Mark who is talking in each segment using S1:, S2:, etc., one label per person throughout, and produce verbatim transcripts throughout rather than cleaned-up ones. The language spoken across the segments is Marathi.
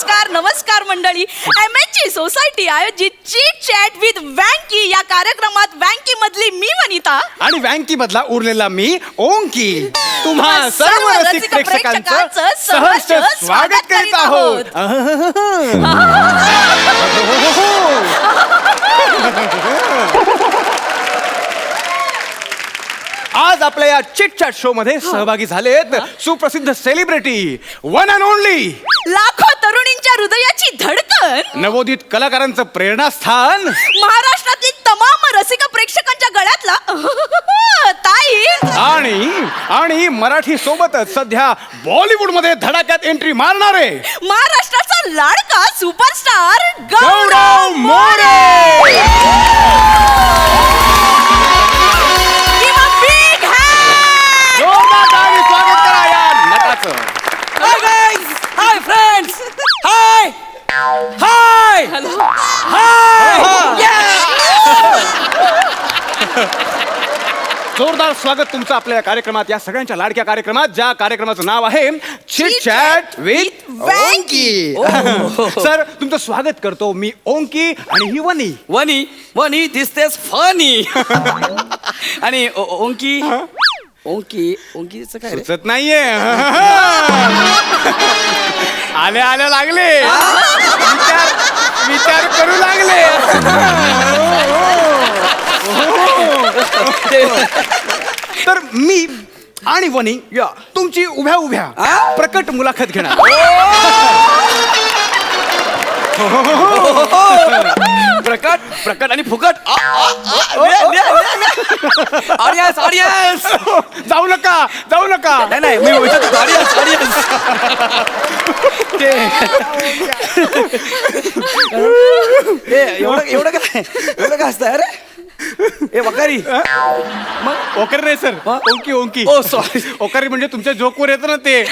S1: नमस्कार नमस्कार मंडळी. एम एच ची सोसायटी आयोजित चीट चॅट विथ वँकी या कार्यक्रमात वँकी मधली मी वनिता
S2: आणि वँकी मधला उरलेला मी ओंकी तुम्हा सर्व रसिक प्रेक्षकांचं सहर्ष स्वागत करीत आहोत. आज आपल्या या चिट चॅट शो मध्ये सहभागी झालेत सुप्रसिद्ध सेलिब्रिटी वन अँड ओनली
S1: लाखो तरुणींच्या हृदयाची धडकन
S2: नवोदित कलाकारांचं प्रेरणास्थान
S1: महाराष्ट्रातील तमाम रसिक प्रेक्षकांच्या गळ्यातला ताई
S2: आणि आणि मराठी सोबतच सध्या बॉलिवूड मध्ये धडाक्यात एंट्री मारणारे
S1: महाराष्ट्राचा लाडका सुपरस्टार
S2: गौरव मोरे. जोरदार टाळी स्वागत करा या नटाचं.
S3: Hi guys! Hi friends! Hi! Hi!
S1: Hello.
S3: Hi!
S2: जोरदार स्वागत तुमचं आपल्या या कार्यक्रमात, या सगळ्यांच्या लाडक्या कार्यक्रमात, ज्या कार्यक्रमाचं नाव आहे chit chat with Onky. Sir तुमचं स्वागत करतो मी ओंकी आणि ही वनी.
S3: वनी वनी दिसतेस फनी आणि ओ- ओ- ओंकी ओंकी ओंकीचं काय रे?
S2: सुचत नाहीये. आले आले लागले विचार विचार करू लागले. तर मी आणि वनी
S3: या.
S2: तुमची उभ्या उभ्या
S3: आ?
S2: प्रकट मुलाखत घेणार.
S3: प्रकट प्रकट आणि फुकट ऑडियन्स ऑडियन्स
S2: जाऊ नका जाऊ नका.
S3: नाही नाही मी विचारतो ऑडियन्स ऑडियन्स एवढं एवढं काय एवढं काय असतं अरे ए वकारी
S2: मग ओकर नाही सर,
S3: हा?
S2: ओंकी ओंकी.
S3: ओ सॉरी
S2: ओकारी म्हणजे तुमच्या जोकवर येतं ना ते.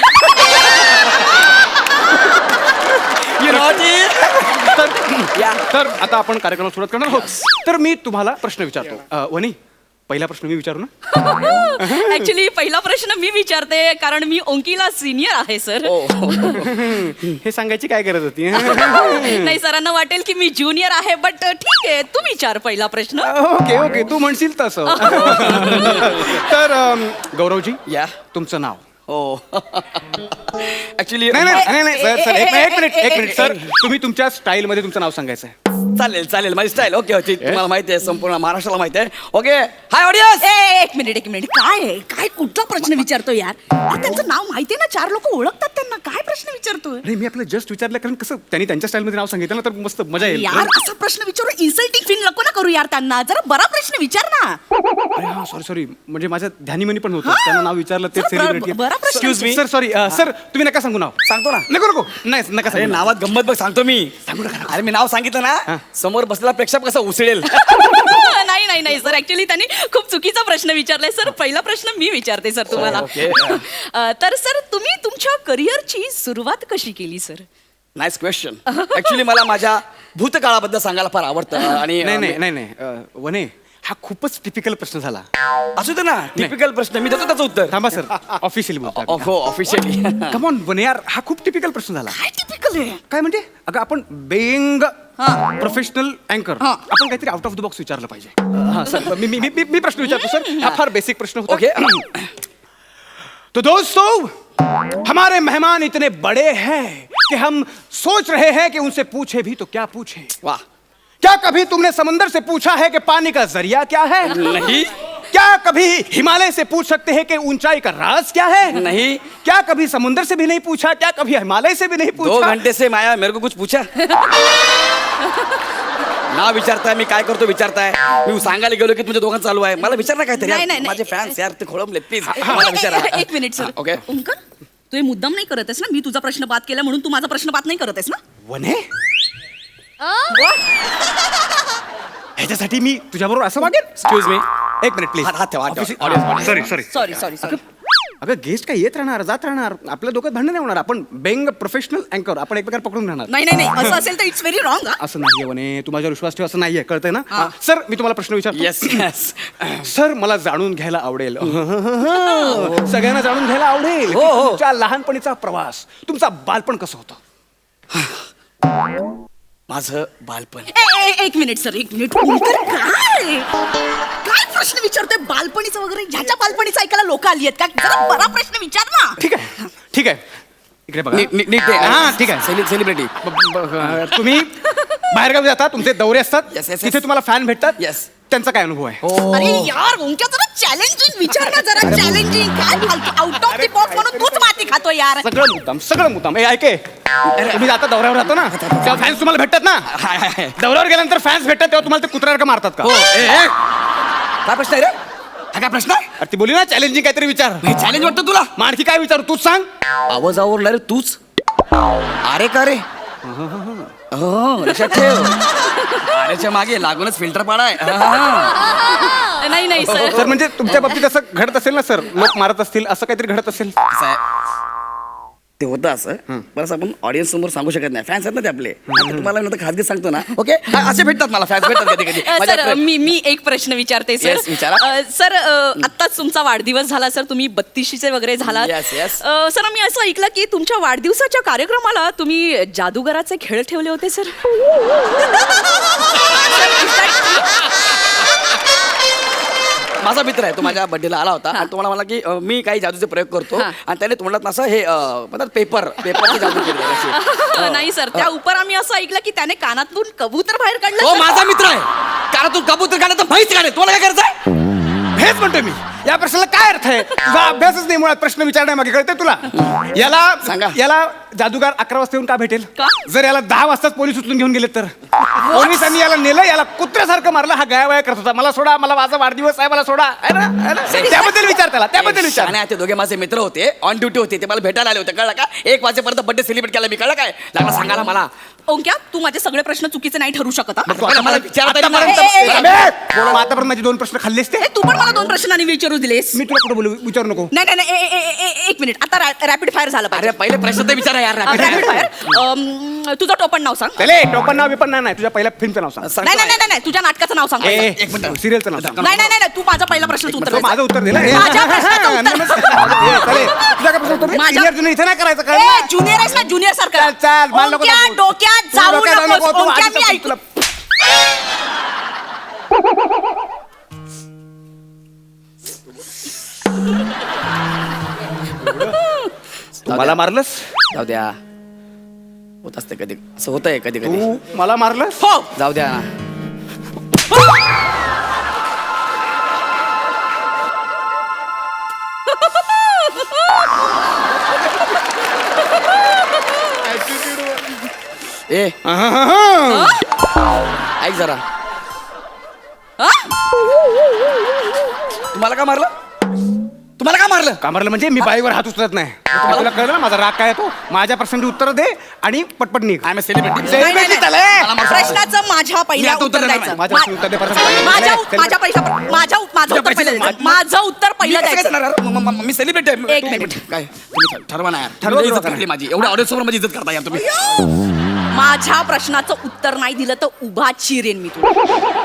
S2: तर तर आता आपण कार्यक्रमाला सुरुवात करणार आहोत. तर मी तुम्हाला प्रश्न विचारतो. अ, वनी पहिला प्रश्न मी विचारू ना.
S1: ऍक्च्युली पहिला प्रश्न मी विचारते कारण मी ओंकीला सिनियर आहे सर.
S2: हे सांगायची काय गरज होती.
S1: नाही सरांना वाटेल की मी ज्युनियर आहे बट ठीक आहे तू विचार पहिला प्रश्न.
S2: ओके ओके तू म्हणशील तसं. तर अम, गौरवजी
S3: या
S2: तुमचं नाव.
S3: हो ऍक्च्युली
S2: नाही नाही नाही नाही, सर सर एक मिनिट एक मिनिट एक मिनिट सर तुम्ही तुमच्या स्टाईल मध्ये तुमचं नाव सांगायचं आहे.
S3: चालेल चालेल माझी स्टाईल ओके ओके तुम्हाला माहिती आहे संपूर्ण महाराष्ट्राला माहिती आहे ओके हाय ऑडियन्स
S1: ए, एक मिनिट एक मिनिट काय आहे? काय कुठला प्रश्न विचारतो यार? अरे, त्यांचं नाव माहितीये ना, चार लोक ओळखतात त्यांना, काय प्रश्न विचारतोय
S2: नाही मी आपलं जस्ट विचारलं कारण कसं त्यांनी त्यांच्या स्टाईल मध्ये नाव सांगितलं ना तर मस्त मजा येईल.
S1: यार? असा प्रश्न विचारू इन्सल्टिंग फील नको ना करू यार त्यांना. जरा बरा प्रश्न विचार ना.
S2: अरे हा सॉरी सॉरी म्हणजे माझ्या ध्यानीमनी पण होतं त्यांना नाव विचारलं ते
S1: सर,
S2: सेलिब्रिटी.
S1: ब- बरा प्रश्न
S2: excuse me sir sorry sir तुम्ही नका सांगू नाव.
S3: सांगतो ना
S2: नको नको नाही नका
S3: अरे
S2: सांगू.
S3: नावात गंमत बघ सांगतो मी अरे मी नाव सांगितलं ना समोर बसलेला प्रेक्षक कसं उचलेल.
S1: नाही नाही नाही सर ऍक्च्युली त्यांनी खूप चुकीचा प्रश्न विचारलाय सर. पहिला प्रश्न मी विचारते सर तुम्हाला.
S3: ओके.
S1: अ, तर सर तुम्ही तुमच्या करिअरची सुरुवात कशी केली सर?
S3: नाईस क्वेश्चन ऍक्च्युली मला माझ्या भूतकाळाबद्दल सांगायला फार आवडतं आणि
S2: नाही नाही नाही नाही अ, वने हा खूपच टिपिकल प्रश्न झाला.
S3: असू दे ना टिपिकल प्रश्न मी देतो त्याचं उत्तर
S2: थांबा सर ऑफिशियल बोलतो.
S3: हो ऑफिशियली
S2: कम ऑन वने यार हा खूप टिपिकल प्रश्न झाला.
S1: काय टिपिकल आहे?
S2: काय म्हणजे अगं आपण बेंग
S1: हा.
S2: प्रोफेशनल अँकर
S1: हा.
S2: आपण काहीतरी आउट ऑफ द बॉक्स विचारलं पाहिजे. हा सर मी मी मी मी प्रश्न विचारतो सर. हा फार बेसिक प्रश्न होता.
S3: ओके
S2: तो दोस्तों हमारे मेहमान इतने बड़े हैं कि हम सोच रहे हैं कि उनसे पूछे भी तो क्या पूछे.
S3: वाह
S2: क्या कभी तुमने समंदर से पूछा है कि पानी का जरिया क्या है?
S3: नहीं.
S2: क्या कभी हिमालय से पूछ सकते हैं कि ऊंचाई का राज क्या है?
S3: नहीं.
S2: क्या कभी समुंदर से भी नहीं पूछा? क्या कभी हिमालय से भी नहीं पूछा?
S3: दो घंटे से माया मेरे को कुछ पूछा ना विचारताय मी काय करतो विचारताय मी सांगायला गेलो की तुमच्या दोघांचं चालू आहे मला विचार ना काहीतरी
S1: नाही,
S3: यार.
S1: नाही, नाही.
S3: माझे फॅन्स यार ते खोळंबले प्लीज
S1: ए-
S3: मला
S1: ए-
S3: विचारा
S1: ए- एक मिनिट सर.
S3: ओके
S1: ओंकर तू हे मुद्दाम नाही करत आहेस ना? मी तुझा प्रश्न बाद केला म्हणून तू माझा प्रश्न बाद नाही करत आहेस ना?
S2: वने ह्याच्यासाठी मी तुझ्याबरोबर असं वागेन?
S3: एक्सक्यूज मी
S2: एक मिनिट प्लीज.
S3: हात- हात ठेवा, हात ठेवा.
S2: Sorry sorry
S1: sorry sorry sorry.
S2: अगं गेस्ट काय येत राहणार जात राहणार आपल्या डोक्यात भांडण नाही होणार. आपण बेंग प्रोफेशनल अँकर आपण एकमेकांना पकडून राहणार.
S1: नाही नाही नाही असं असेल तर इट्स व्हेरी रॉंग.
S2: असं नाहीये वने तू माझ्यावर विश्वास ठेव असं नाहीये कळतंय ना. सर मी तुम्हाला प्रश्न विचारतो.
S3: येस येस
S2: सर मला जाणून घ्यायला आवडेल सगळ्यांना जाणून घ्यायला आवडेल
S3: हो, हो.
S2: तुमच्या लहानपणीचा प्रवास तुमचा बालपण कसं होतं?
S3: माझं बालपण.
S1: ए, ए, एक मिनिट सर एक मिनिट ओंकार, काय काय प्रश्न विचारतोय बालपणीचं वगैरे? ह्याच्या बालपणीचं ऐकायला लोक आली आहेत का? जरा बरा प्रश्न विचार ना.
S2: ठीक आहे ठीक आहे इकडे बघा.
S3: नीट नीट- नीट दे.
S2: हा, ठीक आहे.
S3: सेलिब्रिटी.
S2: अं, तुम्ही बाहेरगावी जाता, तुमचे दौरे असतात,
S3: Yes, yes, yes.
S2: तिथे तुम्हाला फॅन भेटतात.
S3: Yes.
S2: त्यांचा काय अनुभव आहे?
S1: अरे यार ओंकार जरा चॅलेंजिंग विचार ना, जरा चॅलेंजिंग. काय आउट ऑफ द बॉक्स म्हणून तूच माती खातोय यार.
S2: सगळं मुद्दाम सगळं मुद्दाम. ए ऐके, तुम्ही आता दौऱ्यावर राहतो ना, तेव्हा फॅन्स तुम्हाला भेटतात ना.
S3: हाय, हाय, हाय.
S2: दौऱ्यावर गेल्यानंतर फॅन्स भेटतात तेव्हा तुम्हाला ते कुत्र्यासारखं मारतात का?
S3: हो. ए, ए. काय प्रश्न आहे रे? हा काय प्रश्न आहे?
S2: अरे ती बोली ना चॅलेंजिंग काहीतरी विचार.
S3: चॅलेंज वाटतं तुला?
S2: मग आणखी काय विचारू तूच सांग.
S3: आवाज आवरला रे तूच. अरे का रे? हो लक्षात ठेव. अरेच्या मागे लागूनच फिल्टर पाडाय. हा.
S1: नाही नाही सर.
S2: सर म्हणजे तुमच्या बाबतीत असं घडत असेल ना सर, लोक मारत असतील असं काहीतरी घडत असेल.
S3: असं आहे. ते होतं असं बरं आपण ऑडियन्स समोर सांगू शकत नाही. फॅन्स आहेत ना ते आपले. आता तुम्हाला मी नंतर खाजगी सांगतो ना. ओके असे भेटतात मला फॅन्स भेटतात कधी कधी.
S1: अ, सर मी मी एक प्रश्न विचारते सर.
S3: Yes, विचारा.
S1: अ, सर अ, आत्ताच तुमचा वाढदिवस झाला सर, तुम्ही बत्तीशीचे वगैरे झालात.
S3: Yes, yes.
S1: अ, सर मी असं ऐकलं की तुमच्या वाढदिवसाच्या कार्यक्रमाला तुम्ही जादूगराचे खेळ ठेवले होते सर.
S3: माझा मित्र आहे तो माझ्या बर्थडेला आला होता आणि तुम्हाला मला की अं, मी काही जादूचे प्रयोग करतो
S1: हा.
S3: आणि त्याने तुम्हाला असं हे अं, म्हणतात पेपर पेपरची जादू केली अशी.
S1: नाही सर, त्या उपर आम्ही असं ऐकलं की त्याने कानातून कबूतर बाहेर काढलं.
S3: तो
S1: सर.
S3: माझा मित्र आहे. कारण तू कबूतर काढा तर म्हैस काढे. तुला काय करायचंय?
S2: हेच म्हणतोय मी, या प्रश्नाला काय अर्थ आहे? तुझा अभ्यासच नाही मुळात प्रश्न विचारण्यामागे, कळते तुला? याला
S3: सांगा.
S2: याला जादूगार अकरा वाजता येऊन का भेटेल?
S1: का?
S2: जर याला दहा वाजताच पोलीस उचलून घेऊन गेले तर? पोलिसांनी याला नेलं, याला कुत्र्यासारखं मारलं, हा गायवाया करत होता. मला सोडा, मला माझा वाढदिवस आहे, मला सोडा. है ना? है ना? त्याबद्दल विचार त्याला, त्याबद्दल विचार.
S3: आणि ते दोघे माझे मित्र होते, ऑन ड्युटी होते, ते मला भेटायला आले होते. कळलं का? एक वाजेपर्यंत बर्थडे सेलिब्रेट केला मी. कळलं काय? लागला सांगायला मला.
S1: ओंक्या तू माझे सगळे प्रश्न चुकीचे नाही ठरू शकत हा?
S3: मला मला विचारता येईल
S2: आतापर्यंत-
S3: मला.
S1: ए, ए, ए,
S2: अबे, बोला, आतापर्यंत माझे दोन प्रश्न खाल्लेस ते.
S1: ए, तू पण मला दोन प्रश्नांनी विचारू दिलेस.
S2: मी तुला कुठं बोलू, विचारू नको.
S1: नाही नाही नाही ए, ए, ए, ए, एक मिनिट आता रॅपिड फायर झालं
S3: अरे
S1: पाहिजे.
S3: पहिले प्रश्न तर विचारा यार.
S1: Rapid fire. तुझं टोपण नाव सांग.
S2: चले, टोपण नाव बिपण नाही, तुझ्या पहिल्या फिल्मचं नाव सांग.
S1: नाही नाही नाही नाही तुझ्या नाटकाचं नाव सांग.
S2: ए,
S1: नाही
S3: एक मिनिट.
S2: सिरियलचं नाव सांग.
S1: नाही नाही नाही तू माझा पहिला प्रश्नाचं उत्तर
S2: तो
S1: दे.
S2: माझं उत्तर दिलं. ए,
S1: माझ्या प्रश्नाचं उत्तर.
S2: ए, चले, तुझ्या काय प्रश्न उत्तर दे?
S1: माझ्या-
S2: Senior, junior इथे नाही करायचं काय?
S1: ए ज्युनियर आहेस ना ज्युनियर सारखं.
S2: चल, चल, मला नको
S1: ओंक्या,
S2: दाखवू.
S1: डोक्यात
S2: तू
S1: जाऊ
S2: डोक्यात जाऊ
S1: नकोस.
S2: नको, तू
S1: ओंक्या,
S2: आधीच
S1: मी
S2: सांगतो
S1: ऐकू.
S2: तुला. मला मारलंस
S3: जाऊ द्या. होत असते कधी असं होतंय कधी कधी.
S2: तू मला मारलंस.
S1: हो.
S3: जाऊ द्या. ए ऐक जरा.
S1: हा?
S3: तुम्हाला का मारलं? तुम्हाला का मारलं?
S2: का मारलं म्हणजे मी बाईवर हात उचलत नाही. तुम्हाला तुला कळलं ना माझा राग काय तो? माझ्या प्रश्नांची उत्तर दे आणि पटपट निघ.
S3: I'm celebrity.
S1: नाही, नाही, नाही.
S2: चालेल.
S1: प्रश्नाचं माझ्या पहिल्या
S3: मी आता उत्तर
S1: उत्तर
S3: देणार
S1: द्यायचं.
S3: नाही.
S2: माझ्या उत्तर दे, प्रश्न.
S1: मा- माझ्या
S2: चल,
S1: माझ्या पैसा माझ्या माझं उत्तर पहिलं द्यायचं. माझं उत्तर पहिलं द्यायचं.
S3: मी सेलिब्रिटी आहे.
S1: एक मिनिट.
S3: काय तुम्ही ठरवा ना यार.
S2: ठरवा
S3: ठरवा
S2: तुला.
S3: इज्जत माझी. एवढ्या ऑडियन्स समोर माझी इज्जत करता यार तुम्ही.
S1: माझ्या प्रश्नाचं उत्तर नाही दिलं तर उभा चिरेन मी तुला.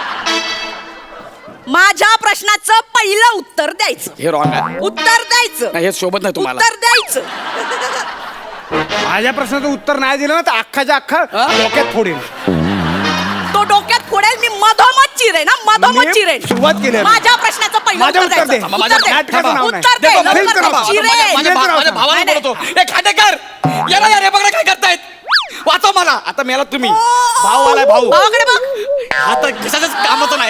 S1: माझ्या प्रश्नाचं पहिलं उत्तर द्यायचं.
S3: हे रॉंग आहे.
S1: उत्तर द्यायचं.
S3: नाही, हे शोभत नाही तुम्हाला.
S1: उत्तर द्यायचं.
S2: माझ्या प्रश्नाचं उत्तर नाही दिलं ना तर अख्खाच्या अख्खा
S3: हा?
S2: डोक्यात फोडेल.
S1: तो डोक्यात फोडेल मी मधोमध चिरेन ना मधोमध
S2: मी
S1: चिरेन.
S2: सुरुवात केली आहे.
S1: माझ्या प्रश्नाचं पहिलं
S2: माझं
S1: उत्तर
S2: उत्तर दे.
S1: द्यायचं.
S3: माझ्या
S1: उत्तर दे.
S2: नाटकाचं नाव नाही.
S1: उत्तर दे.
S2: दे,
S1: लवकर
S2: film
S1: दे.
S2: करा.
S3: माझ्या-
S1: चिरेन.
S3: माझ्या भा- माझ्या भावाला
S1: नाही,
S3: बोलतो. ए खांडेकर याला यार हे बघा काय करतायत. वाचव मला. आता मेला तुम्ही. भाऊ आलाय भाऊ.
S1: भावाकडे बघ.
S3: आता कशाच्याच कामाचं नाही.